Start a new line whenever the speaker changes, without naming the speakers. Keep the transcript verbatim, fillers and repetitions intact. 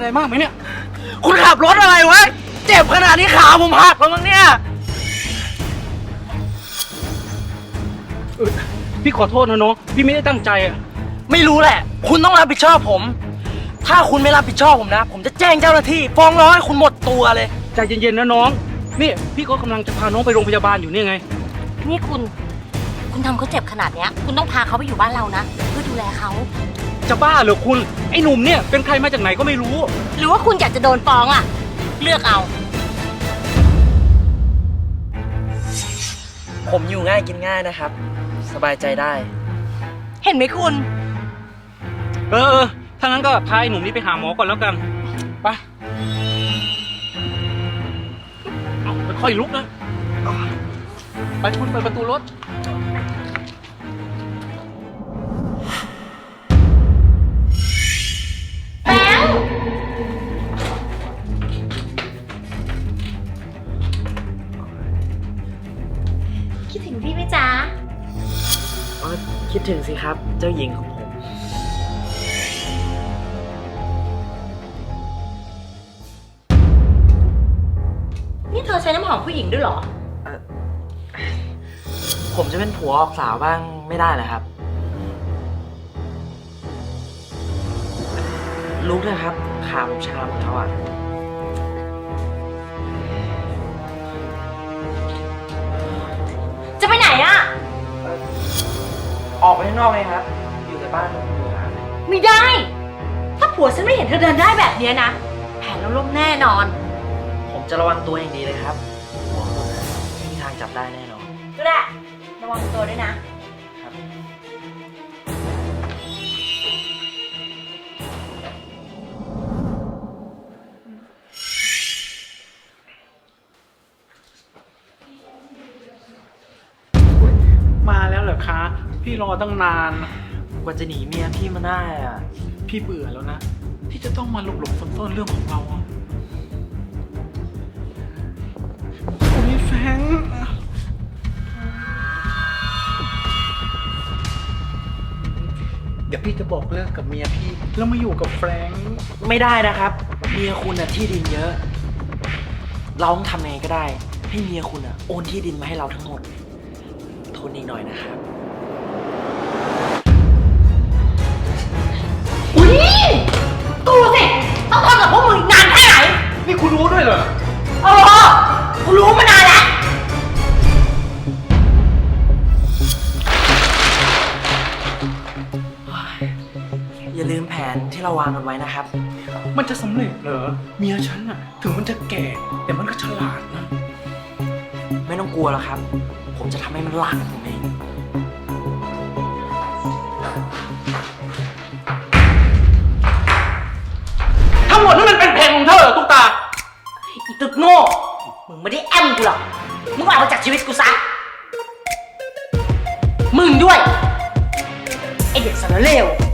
อะไรมากไหมเนี่ย
คุณขับรถอะไรวะเจ็บขนาดนี้ขาผมหักแล้วมั้งเนี่ย
พี่ขอโทษนะน้องพี่ไม่ได้ตั้งใจอ่ะ
ไม่รู้แหละคุณต้องรับผิดชอบผมถ้าคุณไม่รับผิดชอบผมนะผมจะแจ้งเจ้าหน้าที่ฟ้องร้องให้คุณหมดตัวเลย
ใจเย็นๆนะน้องนี่พี่ก็กำลังจะพาน้องไปโรงพยาบาลอยู่นี่ไง
นี่คุณคุณทำเขาเจ็บขนาดเนี้ยคุณต้องพาเขาไปอยู่บ้านเรานะเพื่อดูแลเขา
จะบ้าเหรอคุณไอ้หนุ่มเนี่ยเป็นใครมาจากไหนก็ไม่รู้
หรือว่าคุณอยากจะโดนฟ้องอ่ะเลือกเอา
ผมอยู่ง่ายกินง่ายนะครับสบายใจได้
เห็นไหมคุณ
เออเออถ้างั้นก็พาไอ้หนุ่มนี้ไปหาหมอก่อนแล้วกันไปเอาค่อยลุกนะไปคุณเปิดประตูรถ
แบงค์คิดถึงพี่ไหมจ๊ะ
คิดถึงสิครับเจ้าหญิงของผม
นี่เธอใช้น้ำหอมผู้หญิงด้วยเหรอ
ผมจะเป็นผัวออกสาวบ้างไม่ได้เหรอครับลุกเลยครับขาผมชาหมดแล้วอ่ะ
จะไปไหนอ่ะ
ออกไปข้างนอกเลยครับอยู่ในบ้านผมอยู่ครับ
ไม่ได้ถ้าผัวฉันไม่เห็นเธอเดินได้แบบนี้นะแผนเราล่มแน่นอน
ผมจะระวังตัวอย่างดีเลยครับไม่มีทางจับได้แน่นอน
ก็ได้ระวังตัวด้วยนะ
มาแล้วเหรอคะพี่รอตั้งนาน
กว่าจะหนีเมียพี่มาได้อ่ะ
พี่เบื่อแล้วนะที่จะต้องมาหลบหลบซ่อนๆเรื่องของเราอ่ะโอ้ยแฟงเดี๋ยวพี่จะบอกเลิกกับเมียพี่แล้วมาอยู่กับแฟรงค์
ไม่ได้นะครับเมียคุณน่ะที่ดินเยอะเราต้องทำไงก็ได้ให้เมียคุณอ่ะโอนที่ดินมาให้เราทั้งหมดทนอีกหน่อยนะครับ
อุ้ยกูสิต้องทนกับพวกมึงนานแค่ไหน
นี่คุณรู้ด้วยเหรอ
เออกูรู้มานานแล้ว
อย่าลืมแผนที่เราวางกันไว้นะครับ
มันจะสำเร็จเหรอเมียฉันอะถึงมันจะแก่แต่มันก็ฉลาดนะ
ไม่ต้องกลัวหรอกครับผมจะทำให้มันหลักผมเอง
ทั้งหมดนั่นมันเป็นเพลงของเธอตุ๊กตา
อีตึกโง่มึงไม่ได้แอมกูหรอกมึงออกมาจากชีวิตกูซะมึงด้วยไอเด็กสารเลว